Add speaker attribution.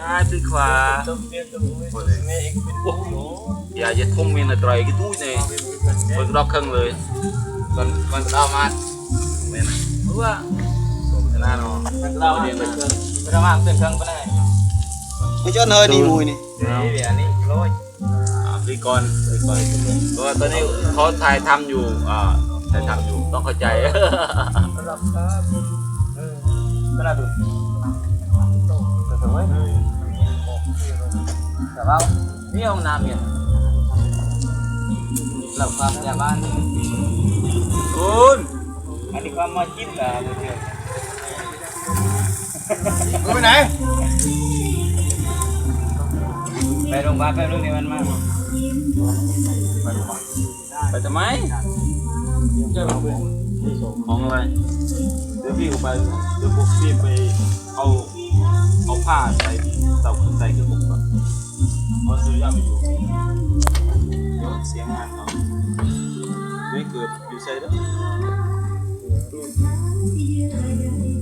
Speaker 1: trái từ khóa giờ giờ thông minh là trời cái túi này còn đọc khăn rồi còn đau mát mày này đúng không thế nào nó đau đi mình cái đau mát tiền khăn cái này
Speaker 2: cái chỗ hơi đi mùi này
Speaker 1: đi conตัวตอนนี้เขาถ่ายทำอยู่ถ่ายทำอยู่ต้องเข้าใจก็น่าดูแต่ว่านี่ห้องน้ำเนี่ยหลับความพยาบาลคุณอันนี้ความมาคิดล่ะเพื่อน
Speaker 2: ไปไหน
Speaker 1: ไปโรงพยาบาลไปเรื่องนี้มันมาไปทำไมของอะไรเดี๋ยวพี่ไปเดี๋ยวพวกพี่ไปเอาผ้าใส่เตาใส่เครื่องบุกก่อนเพราะซื้อยาไม่อยู่เดี๋ยวเสียงงานเขาไม่เกิดอยู่ใส่แล้ว